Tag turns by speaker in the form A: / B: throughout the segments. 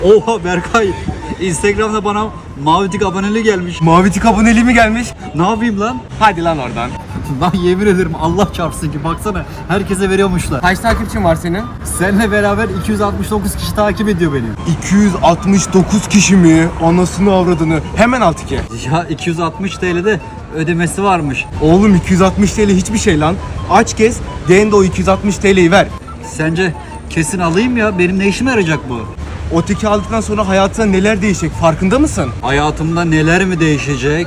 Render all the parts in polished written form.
A: Oha Berkay. Instagram'da bana mavi tik aboneliği gelmiş.
B: Mavi tik aboneliği mi gelmiş?
A: Ne yapayım lan?
B: Hadi lan oradan.
A: Lan yemin ederim Allah çarpsın ki baksana herkese veriyormuşlar.
B: Kaç takipçin var senin?
A: Seninle beraber 269 kişi takip ediyor beni.
B: 269 kişi mi? Anasını avradını. Hemen al tiki.
A: Ya 260 TL'de ödemesi varmış.
B: Oğlum 260 TL hiçbir şey lan. Aç gez, de o 260 TL'yi ver.
A: Sence kesin alayım ya? Benim ne işime yarayacak bu?
B: O tiki aldıktan sonra hayatına neler değişecek farkında mısın?
A: Hayatımda neler mi değişecek?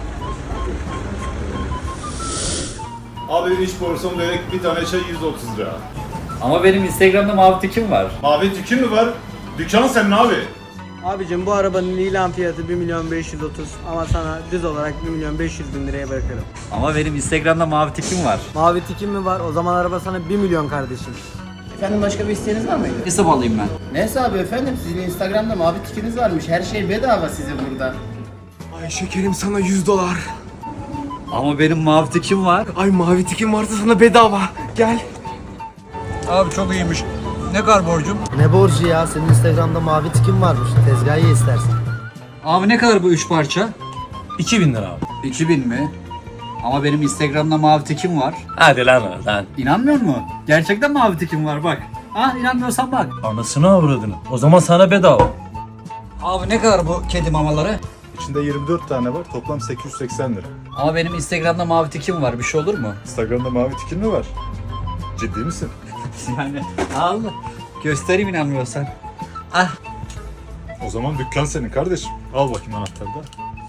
C: Abi 3 porsiyon börek, bir tane çay 130 lira.
A: Ama benim Instagram'da mavi tikim var.
C: Mavi tükün mü var? Dükkan senin abi.
D: Abicim bu arabanın ilan fiyatı 1.530.000 ama sana düz olarak 1.500.000 liraya bırakırım.
A: Ama benim Instagram'da mavi tikim var.
D: Mavi tikim mi var? O zaman araba sana 1 milyon kardeşim.
E: Efendim başka bir isteğiniz var mıydı?
A: Hesap alayım ben.
E: Ne hesabı efendim? Sizin Instagram'da mavi tikiniz varmış. Her şey bedava size burada.
B: Ay şekerim sana 100 dolar.
A: Ama benim mavi tikim var.
B: Ay mavi tikim varsa sana bedava. Gel.
A: Abi çok iyiymiş. Ne kadar borcum?
D: Ne borcu ya? Senin Instagram'da mavi tikim varmış. Tezgahı ye istersen.
A: Abi ne kadar bu 3 parça?
F: 2000 lira abi.
A: 2000 mi? Ama benim Instagram'da mavi tikim var.
F: Hadi lan oradan.
A: İnanmıyor musun? Gerçekten mavi tikim var bak. Ha inanmıyorsan bak.
F: Anasını avradını. O zaman sana bedava.
A: Abi ne kadar bu kedi mamaları?
C: İçinde 24 tane var, toplam 880 lira.
A: Ama benim Instagram'da mavi tikim var. Bir şey olur mu?
C: Instagram'da mavi tikin mi var? Ciddi misin?
A: Yani al. Göstereyim inanmıyorsan. Ah.
C: O zaman dükkan senin kardeşim. Al bakayım anahtarı da.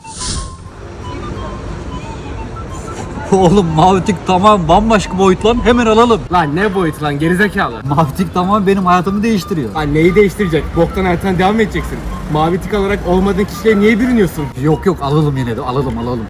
A: Oğlum mavi tik tamam bambaşka boyut lan. Hemen alalım.
B: Lan ne boyut lan gerizekalı.
A: Mavi tik tamam benim hayatımı değiştiriyor.
B: Lan neyi değiştirecek? Boktan hayatına devam edeceksin. Mavi tik alarak olmadığın kişiye niye bürünüyorsun?
A: Yok yok alalım yine de alalım.